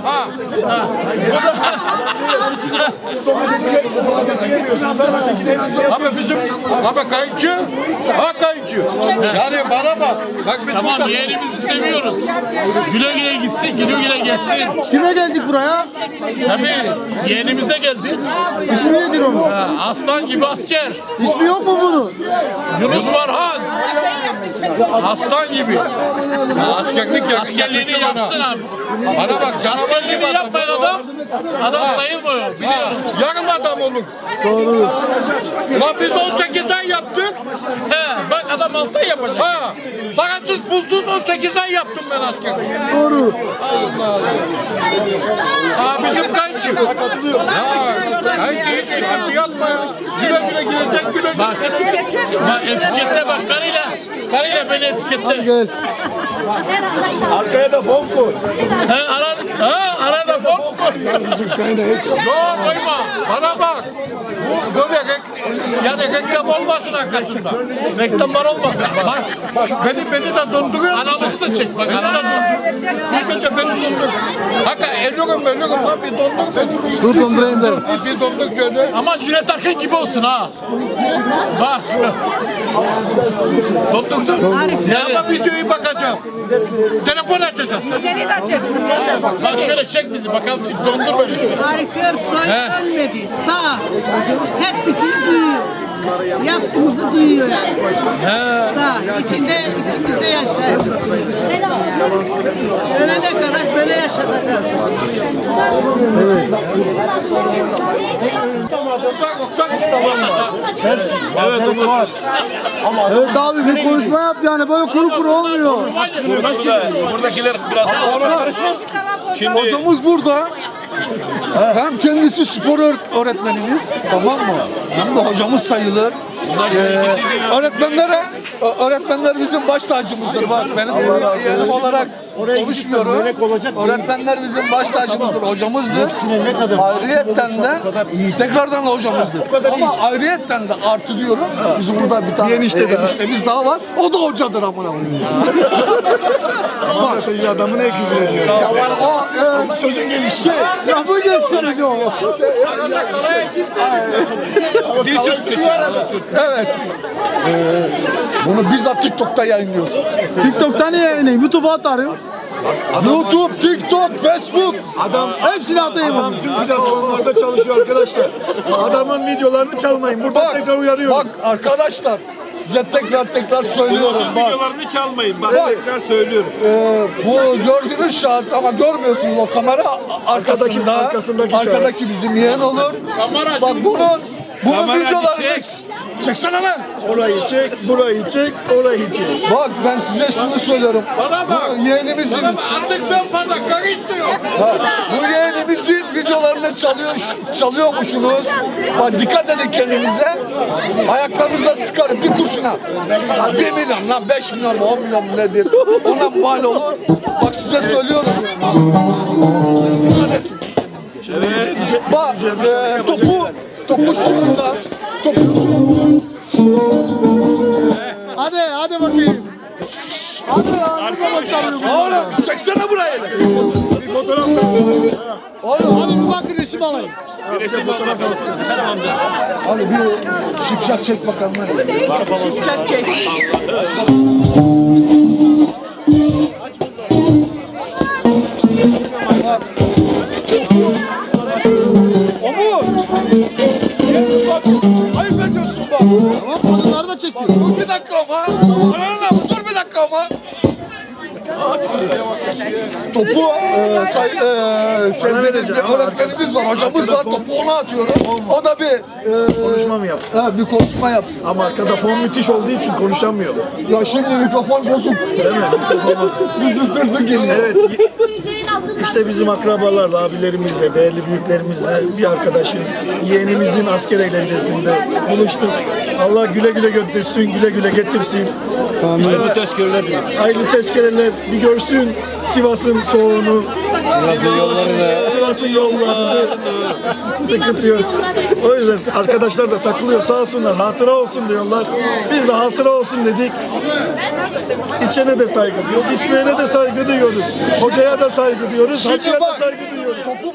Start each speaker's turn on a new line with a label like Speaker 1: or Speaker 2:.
Speaker 1: Ha. Abi bizim kayıkçı. Ha kayıkçı. Yani bana bak. Bak biz
Speaker 2: Tamam yeğenimizi seviyoruz. Güle güle gitsin, güle güle gelsin.
Speaker 3: Kime geldik buraya?
Speaker 2: Tabii yeğenimize geldi.
Speaker 3: İsmi nedir onun?
Speaker 2: Aslan gibi asker.
Speaker 3: İsmi yok mu bunun?
Speaker 2: Yunus Varhan. Aslan gibi.
Speaker 1: askerlik
Speaker 2: Askerliğini yapsın abi.
Speaker 1: Bana bak canavar
Speaker 2: Askerliğini
Speaker 1: gibi
Speaker 2: yapmayan adam, adam sayılmıyor. Biliyoruz.
Speaker 1: Yarım adam olur.
Speaker 3: Doğru.
Speaker 1: Ulan biz 18 ay yaptık.
Speaker 2: He, bak adam 6 ay yapacak.
Speaker 1: Ha. Parasız pulsuz 18 ay yaptım ben askerlik.
Speaker 3: Doğru.
Speaker 1: Aa bizim kayıkçı. Ya kayıkçı hiç sıkıntı yapma ya. Güle güle gidecek güle güle.
Speaker 2: Bak etiketle bak karıyla beni etiketle.
Speaker 3: Gel.
Speaker 4: Arkaya da fon koy.
Speaker 2: Arada fon koy.
Speaker 1: Yok koyma. Bana bak. Bu böyle yani reklam olmasın arkasında.
Speaker 2: Reklamlar olmasın. Bak.
Speaker 1: Bak beni de donduruyor.
Speaker 2: Anamızı da çek bak.
Speaker 1: Beni de donduruyor. Bir de beni dondur. Hakikaten eliyorum lan bir dondur beni.
Speaker 3: Dur dondurayım da.
Speaker 1: Bir dondur şöyle.
Speaker 2: Ama Cüneyt Arkın gibi olsun ha. Bak.
Speaker 1: Dondurdum. Ya ama videoyu bakacağım. Telefon açacağım.
Speaker 5: Seni de çektim.
Speaker 2: Bak şöyle çek bizi bakalım dondur böyle şöyle.
Speaker 6: Harikör soy ölmedi. Sağ. Hepsini duyuyor. Yaptığımızı duyuyor yani. Sağ. İçimizde yaşayın. Ölene kadar böyle yaşatacağız.
Speaker 3: Evet abi bir konuşma yap yani böyle kuru kuru olmuyor.
Speaker 4: Buradakiler biraz karışmaz ki. Şimdi
Speaker 3: Hocamız burada. Hem kendisi spor öğretmenimiz, tamam mı? Hem de hocamız sayılır. Öğretmenler bizim baş tacımızdır. Bak benim yeğenim olarak konuşmuyorum. Öğretmenler bizim baş tacımızdır, hocamızdır. Ayrıyetten de tekrardan hocamızdır. Ama ayrıyetten de artı diyorum. Bizim burada bir tane eniştemiz daha var. O da hocadır amına koyayım.
Speaker 4: adamı ne küfür ediyor? Sözün gelişi.
Speaker 3: Lafı geçsiniz o. Evet. Bunu bizzat TikTok'ta yayınlıyoruz.
Speaker 7: TikTok'tan niye yayınlayayım? YouTube'a atarım.
Speaker 3: YouTube, TikTok, Facebook.
Speaker 7: Hepsini atayım.
Speaker 4: Adam tüm platformlarda çalışıyor arkadaşlar. Adamın videolarını çalmayın. Burada tekrar uyarıyorum.
Speaker 3: Bak arkadaşlar size tekrar söylüyorum. Bak,
Speaker 4: Videolarını çalmayın. Bak tekrar söylüyorum.
Speaker 3: bu gördüğünüz şahıs ama görmüyorsunuz o kamera arkasındaki bizim yeğen olur. Bak bunun videolarını çeksene lan.
Speaker 4: Orayı çek, burayı çek, orayı çek.
Speaker 3: Bak ben size şunu söylüyorum.
Speaker 1: Bana bak.
Speaker 3: Bu yeğenimizin
Speaker 1: Artık ben fazla karı istiyorum.
Speaker 3: bu yeğenimizin videolarını çalıyormuşsunuz. Bak dikkat edin kendinize. Ayaklarınıza sıkarım bir kurşuna. 1 milyon lan 5 milyon mu 10 milyon mu nedir? Ona mal olur. Bak size söylüyorum. Bak topu şurada.
Speaker 7: Hadi bakayım.
Speaker 3: Oğlum çeksene burayı.
Speaker 4: Bir fotoğraf
Speaker 3: Oğlum
Speaker 7: Hadi bir bakın resim alayım.
Speaker 3: hadi bir şipşak çek bakalım. Omur! Bak, ayıp ediyorsun bak.
Speaker 7: Tamam kadınları da çekiyor.
Speaker 3: Dur bir dakika ama. Dur bir dakika ama. Topu sevdiğiniz bir öğretmenimiz var, hocamız var. Topu ona atıyorum. O da bir
Speaker 4: konuşma mı yapsın?
Speaker 3: bir konuşma yapsın.
Speaker 4: Ama arkada fon müthiş olduğu için konuşamıyor.
Speaker 3: Ya şimdi mikrofon bozuk.
Speaker 4: Değil mi?
Speaker 3: Zızdırdık geliyor.
Speaker 4: Evet. İşte bizim akrabalarla, abilerimizle, değerli büyüklerimizle bir arkadaşın, yeğenimizin asker eğlencesinde buluştuk. Allah güle güle götürsün, güle güle getirsin. Hayırlı tezkereler hayırlı tezkereler bir görsün Sivas'ın soğuğunu. Sivas'ın açmasın yollarını. Sıkıntı yok. O yüzden arkadaşlar da takılıyor sağ olsunlar. Hatıra olsun diyorlar. Biz de hatıra olsun dedik. İçene de saygı duyuyoruz. İçmeyene de saygı duyuyoruz. Hocaya da saygı duyuyoruz. Hacıya da saygı duyuyoruz.
Speaker 3: Topu